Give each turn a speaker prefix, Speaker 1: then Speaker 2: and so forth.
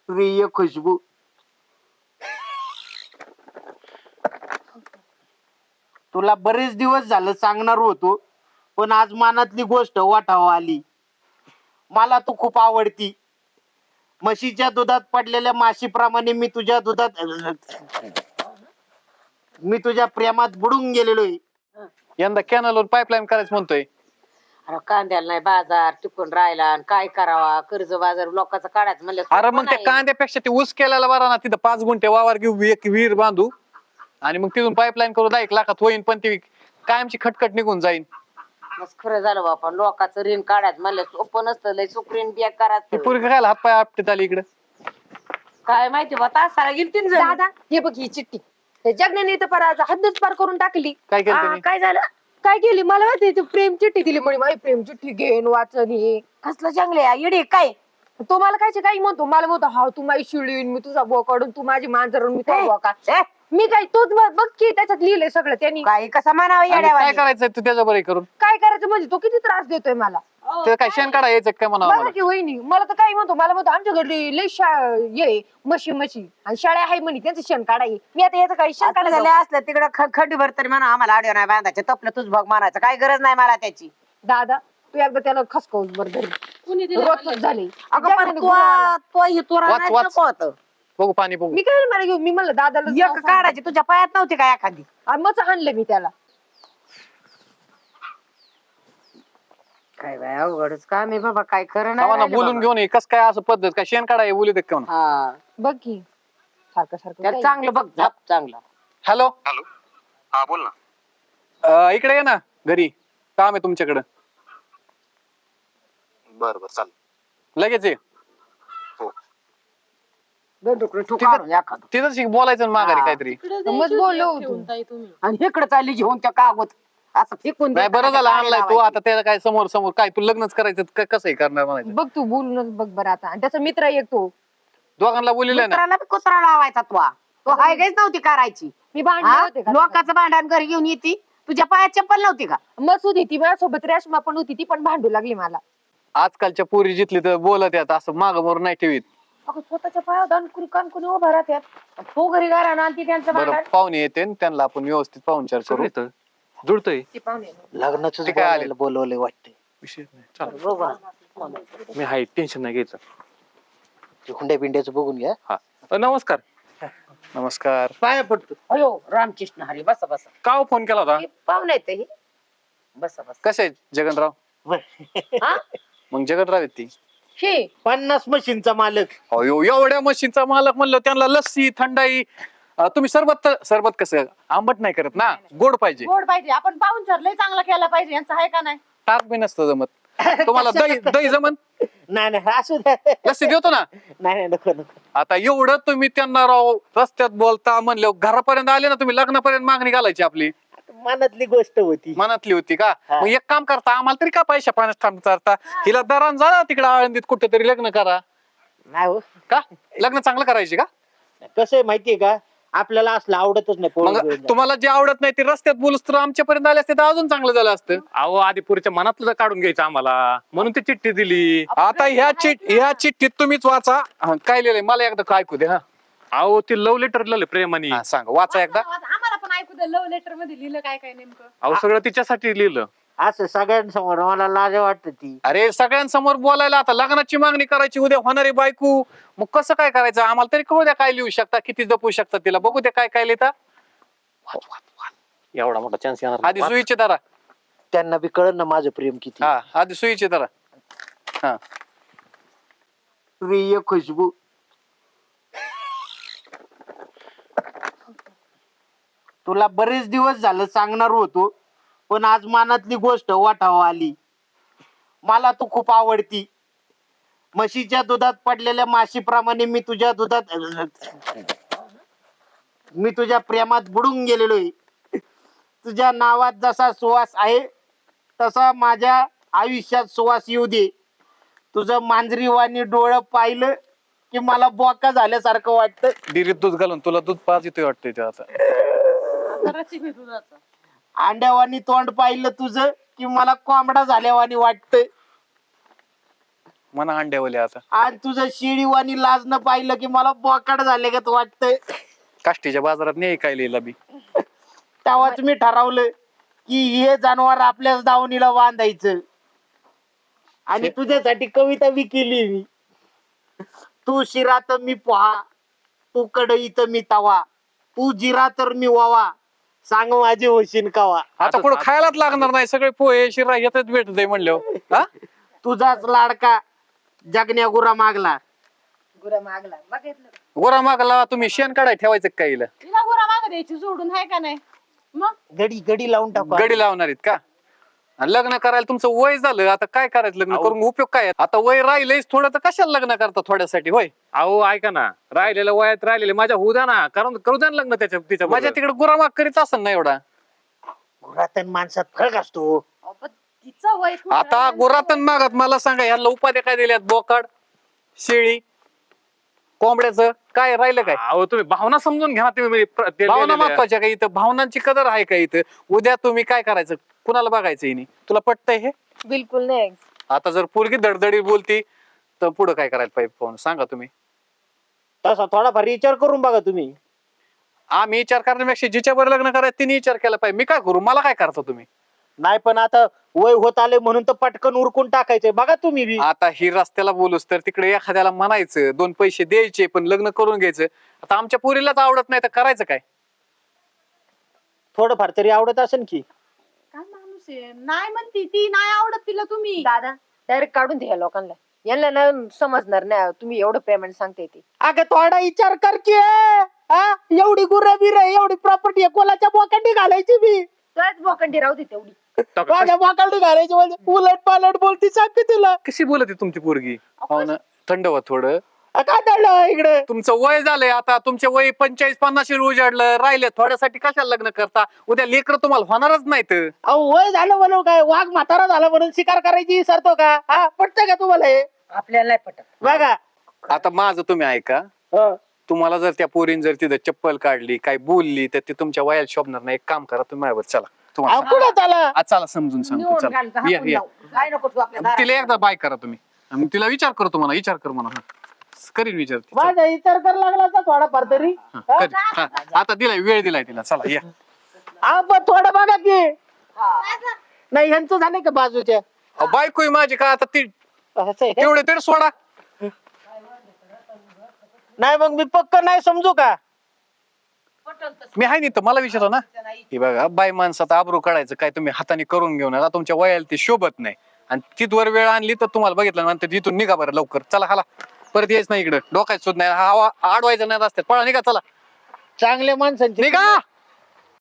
Speaker 1: प्रिय खुशबू, तुला बरेच दिवस झालं सांगणार होतो, पण आज मनातली गोष्ट वाटावं आली. मला तू खूप आवडती. म्हशीच्या दुधात पडलेल्या माशीप्रमाणे मी तुझ्या प्रेमात बुडून गेलेलोय.
Speaker 2: यंदा कॅनलवर पाईपलाईन करायचं म्हणतोय.
Speaker 3: अरे कांद्याला नाही बाजार टिकून राहिला आणि काय करावा, कर्ज बाजार लोकांचा काढायचं म्हणलं
Speaker 2: अरे
Speaker 3: सोपं
Speaker 2: मग त्या
Speaker 3: नाही.
Speaker 2: कांद्यापेक्षा ते ऊस केल्याला बरा ना, तिथं 5 गुंठे वावर घेऊ, एक विहीर बांधू आणि मग तिथून पाईपलाईन करू, 1 लाखात होईन, पण ती कायमची खटखट निघून जाईन.
Speaker 3: मस्त खरं झालं बापा, लोकांचं ऋण काढायचं म्हणलं सोपं नसतं, लय सुकरीन बिया
Speaker 2: ती
Speaker 3: करायचं.
Speaker 2: पोरगी खायला हातपाय आपटीत आली इकडे.
Speaker 3: काय माहिती बा, तासाला गेली 3 जण.
Speaker 4: दादा हे बघ ही चिठ्ठी, त्या जगण्याने तर पार हद्दच पार करून टाकली.
Speaker 2: काय केलं त्यांनी?
Speaker 4: काय झालं, काय केली मला माहिती, ती प्रेम चिठ्ठी दिली म्हणे, माझी प्रेम चिठ्ठी घेऊन वाचन हे.
Speaker 3: कसलं जंगले येडे काय.
Speaker 4: तो मला काय काही म्हणतो, मला म्हणतो हा तू माझी शिळीन, मी तुझा बोकाडून, तू माझी मांजर, मी तुझा बोका.
Speaker 3: ए,
Speaker 4: मी काय तोच बघ की त्याच्यात लिहिलंय सगळं त्यांनी.
Speaker 3: काय कसं म्हणावं
Speaker 2: आणि काय
Speaker 3: येड्यावानी.
Speaker 2: करायचंय तू त्याच्या बरं करून?
Speaker 4: काय करायचं म्हणजे तो किती त्रास देतोय मला.
Speaker 2: ते काय शेण काढा यायचं काय म्हणावं
Speaker 4: बघा
Speaker 2: मला?
Speaker 4: की वहिनी, मला तर काही म्हणतो, मला म्हणतो आमच्या घरी लय ये म्हशी आणि शाळा आहे म्हणे, त्यांचं शेण काढाय. मी आता याचं काही शेण
Speaker 3: आता
Speaker 4: काढायला
Speaker 3: झाले असलं तिकडं खंडीभर तरी म्हणा आम्हाला आडिओ नाही बांधायचे, तपलं तुझ भाग मानायचं, काय गरज नाही मला त्याची.
Speaker 4: दादा तू एकदा त्याला खसकावूस बर घरी, रोजच झाले.
Speaker 3: अगं पण तो ही तुरा
Speaker 2: वाच,
Speaker 3: नाही
Speaker 2: वाच.
Speaker 3: नको होतं.
Speaker 2: बघू पाणी बघू.
Speaker 4: मी काय मला घेऊ, मी म्हणलं दादाला
Speaker 3: एक काढायची तुझ्या पायात नव्हती का एखादी.
Speaker 4: मच आणलं मी त्याला.
Speaker 3: काय बाय अवघडच काम आहे बाबा, काय खरं
Speaker 2: आम्हाला
Speaker 3: नाही
Speaker 2: बोलून घेऊन ये, कस काय असं पद्धत, काय शेण काढा बोलू दे का?
Speaker 3: हा
Speaker 4: बघ की सारखं सारखं
Speaker 3: त्याला
Speaker 4: काय.
Speaker 3: चांगलं बघ झाप चांगला.
Speaker 2: हॅलो,
Speaker 5: हॅलो, हा बोल ना.
Speaker 2: इकडे ये ना घरी, काम आहे तुमच्याकडं.
Speaker 5: बर बर चाल.
Speaker 2: लगेच ये.
Speaker 5: हो.
Speaker 3: दोन तुकडे ठोकारून एखादं.
Speaker 2: तिथं बोलायचं ना माघारी
Speaker 3: हा.
Speaker 2: काहीतरी.
Speaker 4: मग बोललो होतो.
Speaker 3: आणि इकडे चालली घेऊन त्या कागद असं फेकून
Speaker 2: नाही
Speaker 3: देतात,
Speaker 2: बरं झालं
Speaker 3: काय
Speaker 2: आणलाय तू,
Speaker 3: लावायची.
Speaker 2: आता त्याला काय समोर समोर काय तू लग्नच करायचं कसं करणार म्हणायचं?
Speaker 4: बघ तू बोलूनच बघ बरं आता. आणि त्याचा मित्र एक तो,
Speaker 2: दोघांना बोललेलं ना.
Speaker 3: मित्राला बी कुत्रा लावायचा तो हाय गायच नव्हती करायची.
Speaker 4: मी भांडले
Speaker 3: हा?
Speaker 4: होते का?
Speaker 3: लोकांचं भांडण घरी घेऊन येते, तुझ्या पायात चप्पल नव्हती का.
Speaker 4: मस्त होती ती माझ्यासोबत, रेशमा पण होती, ती पण भांडू लागली मला.
Speaker 2: आजकालच्या पोरी जिथली तर बोलत येत असं माग मोर नाही ठेवीत.
Speaker 4: अगं स्वतःच्या पायावर दान कान उभा राहत्यात, तो घरी गारा ना आणि ती त्यांचं
Speaker 2: बरं
Speaker 4: भांडण.
Speaker 2: पाहुणे येते न त्यांना आपण व्यवस्थित पाहुणचार करू.
Speaker 6: जुळतोय
Speaker 4: ती पाहुणे
Speaker 1: लग्नाचं
Speaker 2: ते काय आले?
Speaker 1: बोलवले वाटते.
Speaker 6: विषय नाही. चाल,
Speaker 3: बघा.
Speaker 6: मी हाय, टेन्शन नाही घ्यायचं.
Speaker 1: हुंड्या बिंड्याचं बघून घ्या.
Speaker 6: हा नमस्कार.
Speaker 2: नमस्कार.
Speaker 1: पाया पडतो.
Speaker 3: अयो रामकृष्ण हरी, बसा बसा.
Speaker 2: का हो फोन केला होता?
Speaker 3: हे पाहुणे आहेत हे. बसा बसा.
Speaker 2: कसे आहेत जगनराव?
Speaker 3: हा?
Speaker 2: मग जगनराव आहेत ती.
Speaker 3: हे
Speaker 1: 50 मशीनचा मालक.
Speaker 2: अयो एवढ्या मशीनचा मालक म्हणलं, त्यांना लस्सी थंडाई. तुम्ही सरबत कसं आंबट नाही करत ना, गोड पाहिजे.
Speaker 4: गोड पाहिजे, आपण पाहुणचार लय चांगला केला पाहिजे, यांचं आहे का नाही.
Speaker 2: ताक बी नसतं जमत. तुम्हाला दही जमन?
Speaker 1: नाही नाही असू द्या.
Speaker 2: लस्सी देतो ना.
Speaker 1: नाही नाही नको नको.
Speaker 2: आता एवढं तुम्ही त्यांना राव रस्त्यात बोलता म्हणलं, घरापर्यंत आले ना तुम्ही, लग्नापर्यंत मागणी घालायची आपली.
Speaker 1: मनातली गोष्ट होती.
Speaker 2: मनातली होती का?
Speaker 1: हा.
Speaker 2: मग एक काम करता, आम्हाला तरी का पैशा पाण्यात थांबता, हिला दरान जा तिकडे आळंदीत कुठेतरी लग्न करा.
Speaker 1: नाही हो,
Speaker 2: का लग्न चांगलं करायची का?
Speaker 1: कसं आहे माहितीये का, आपल्याला असलं आवडतच नाही
Speaker 2: मग
Speaker 1: पोरं.
Speaker 2: तुम्हाला जे आवडत नाही ते रस्त्यात बोलूस तर आमच्यापर्यंत आले असते तर अजून चांगलं झालं असतं.
Speaker 6: अहो आदिपुरीच्या मनातलं काढून घ्यायचं आम्हाला, म्हणून ती चिठ्ठी दिली.
Speaker 2: आता ह्या चिठ्ठीत तुम्हीच वाचा. काय लिहिलंय मला एकदा ऐकू दे. हा
Speaker 6: अहो ते लव्ह लेटर लिहिलं प्रेमाने.
Speaker 2: हा, सांग वाचा एकदा.
Speaker 4: आम्हाला पण ऐकू दे, लव्ह लेटर मध्ये लिहिलं काय काय नेमकं.
Speaker 6: अहो सगळं तिच्यासाठी लिहिलं.
Speaker 1: असं सगळ्यांसमोर मला लाज वाटत ती.
Speaker 2: अरे सगळ्यांसमोर बोलायला, आता लग्नाची मागणी करायची, उद्या होणारी बायको, मग कसं काय करायचं आम्हाला तरी कळू द्या. काय लिहू शकता, किती जपू शकता तिला, बघू द्या काय काय लिहिता.
Speaker 6: एवढा मोठा चान्स येणार
Speaker 2: आधी सुईचे धरा.
Speaker 1: त्यांना बी कळलं ना माझं प्रेम किती.
Speaker 2: हा आधी सुईचे धरा. हा
Speaker 1: प्रिय खुशबू, तुला बरेच दिवस झालं सांगणार होतो, पण आज मनातली गोष्ट वाटावं आली. मला तू खूप आवडती. म्हशीच्या दुधात पडलेल्या माशीप्रमाणे मी तुझ्या प्रेमात बुडून गेलेलोय. तुझ्या नावात जसा सुवास आहे तसा माझ्या आयुष्यात सुवास येऊ दे. तुझं मांजरीवाणी डोळं पाहिलं की मला बोका झाल्यासारखं वाटतं.
Speaker 2: डिरीत दूध घालून तुला दूध पाच येतोय वाटतंय ते आता.
Speaker 1: अंड्यावानी तोंड पाहिलं तुझं की मला कोंबडा झाल्यावानी वाटतं.
Speaker 2: मना अंड्यावले आता
Speaker 1: आणि तुझं शिडीवाणी लाजणं पाहिलं की मला बोकाड झाले का वाटतंय.
Speaker 2: काष्टीच्या बाजारात नाही काय लिहिला बी.
Speaker 1: तेव्हाच मी ठरवलं की हे जनावर आपल्याच दावणीला बांधायचं. आणि तुझ्यासाठी कविता बी केली मी. तू शिरा तर मी पोहा, तू कढई तर मी तवा, तू जिरा तर मी वावा, सांग माझी होशीन कवा.
Speaker 2: आता पुढे खायलाच लागणार नाही, सगळे पोहे शिरा येतच भेटत म्हणल्यावर.
Speaker 1: तुझाच लाडका जगण्या गुरा मागला.
Speaker 4: गुरा मागला बघितलं.
Speaker 2: गोरा मागला तुम्ही शेण काढाय ठेवायचं काय हिला?
Speaker 7: तिला गुरा माग द्यायची सोडून आहे का नाही मग?
Speaker 1: गडी लावून टाकू.
Speaker 2: गडी लावणार आहेत का? आणि लग्न करायला तुमचं वय झालं, आता काय करायचं लग्न करून उपयोग काय आहे? आता वय राहिलंच थोडं, तर कशाला लग्न करता थोड्यासाठी होय?
Speaker 6: अहो ऐका ना, राहिलेलं वयात राहिलेले माझ्या होऊ द्या ना, कारण करू द्या ना लग्न त्याच्या तिच्या
Speaker 2: माझ्या
Speaker 6: बरोबर.
Speaker 2: तिकडे गुरामाग करीत असेल ना एवढा.
Speaker 1: गुरातन माणसात फरक असतो.
Speaker 7: अहो, पण तिचं वय खूप
Speaker 2: आता
Speaker 7: राहिलं.
Speaker 2: गुरातन मागत मला सांगा, ह्याला उपाध्या काय दिल्यात? बोकाड, शेळी, कोंबड्याचं काय राहिलं काय?
Speaker 6: अहो तुम्ही भावना समजून घ्या ना, तुम्ही ते
Speaker 2: भावना
Speaker 6: लिहिलेलं आहे.
Speaker 2: महत्वाच्या का इथं? भावनांची कदर आहे का इथं? उद्या तुम्ही काय करायचं? कुणाला बघायचं हिने? तुला पटतंय हे?
Speaker 4: बिलकुल नाही.
Speaker 2: आता जर पोरगी धडधडी बोलती तर पुढे काय करायला पाहिजे? पाहून सांगा तुम्ही.
Speaker 1: तसा थोडाफार विचार करून बघा तुम्ही.
Speaker 2: आम्ही विचार करण्यापेक्षा जिच्यावर लग्न करायचं तिने विचार केला पाहिजे. मी काय करू? मला काय करता तुम्ही?
Speaker 1: नाही पण आता वय होत आले म्हणून तर पटकन उरकून टाकायचंय. बघा तुम्ही बी.
Speaker 2: आता ही रस्त्याला बोलूस तर तिकडे एखाद्याला म्हणायचं, 2 पैसे द्यायचे, पण लग्न करून घ्यायचं. आता आमच्या पोरीलाच आवडत नाही तर करायचं काय?
Speaker 1: थोडंफार तरी आवडत असेल की.
Speaker 7: काय माणूस आहे, नाही म्हणती ती, नाही आवडत तिला तुम्ही.
Speaker 4: दादा डायरेक्ट काढून द्या लोकांना. यांना ना समजणार नाही तुम्ही एवढं पेमेंट सांगते ते.
Speaker 1: अगं थोडा विचार कर की. एवढी गुरं बिर एवढी प्रॉपर्टी कोणाच्या बोकांडी घालायची बी.
Speaker 4: तुलाच बोकंडी राहू दे तेवढी.
Speaker 1: माझ्या बोकांडी घालायची म्हणजे उलट पालट बोलती सांगते तुला.
Speaker 2: कशी बोलते तुमची पोरगी? हो ना, थंड व्हा थोडं.
Speaker 1: काय दडलं इकडे?
Speaker 2: तुमचं वय झालंय, आता तुमचे वय 45-50 उजाडलं, राहिले थोड्यासाठी कशाला लग्न करता? उद्या लेकर तुम्हाला होणारच नाहीत.
Speaker 1: अहो वय झालं म्हणून काय वाघ म्हातारा झाला म्हणून शिकार करायची विसरतो का? पटतंय का तुम्हाला हे?
Speaker 3: आपल्याला नाही पटत.
Speaker 1: बघा.
Speaker 2: आता माझं तुम्ही ऐका.
Speaker 1: हं.
Speaker 2: तुम्हाला जर त्या पोरीन जर तिथं चप्पल काढली, काय बोलली, तर ते तुमच्या वयाला शोभणार नाही. एक काम करा, तुम्ही माझ्यावर चला. तुम्हाला
Speaker 1: अहो, कुठं चाला?
Speaker 2: आज चला समजून सांगतो.
Speaker 3: निवडून
Speaker 2: चला
Speaker 3: घालतो,
Speaker 2: या,
Speaker 3: हाकून
Speaker 2: या.
Speaker 3: लावू. काय नको तू आपल्या दारात.
Speaker 2: तिला एकदा बाय करा तुम्ही. आणि तिला विचार करतो, मला विचार कर म्हणा. करीन विचार ती. चला.
Speaker 1: माझा विचार कर लागला तर थोडाफार तरी.
Speaker 2: हा, करीन. हा, आता दिलाय, वेळ दिलाय तिला. चला या.
Speaker 1: पण थोडं बघा की. नाही ह्यांचं झालंय का बाजूच्या?
Speaker 2: अहो, बायको आहे माझी का आता ती
Speaker 1: असं आहे का?
Speaker 2: तेवढे तरी सोडा.
Speaker 1: नाही मग मी पक्क नाही समजू का?
Speaker 2: मी आहे नाही तर मला विचारा ना. हे बघा, बाय माणसात आबरू काढायचं काय तुम्ही हाताने करून घेऊन आता तुमच्या वयाला ती शोभत नाही. आणि तिथवर वेळ आणली तर तुम्हाला बघितलं नंतर तिथून निघा बरं लवकर. चला हाला, परत यायच नाही इकडं. डोकायच सुद्धा नाही, हवा अडवायचं नाही रस्त्यात. पळा निघा, चला
Speaker 1: चांगल्या माणसांची
Speaker 2: निघा.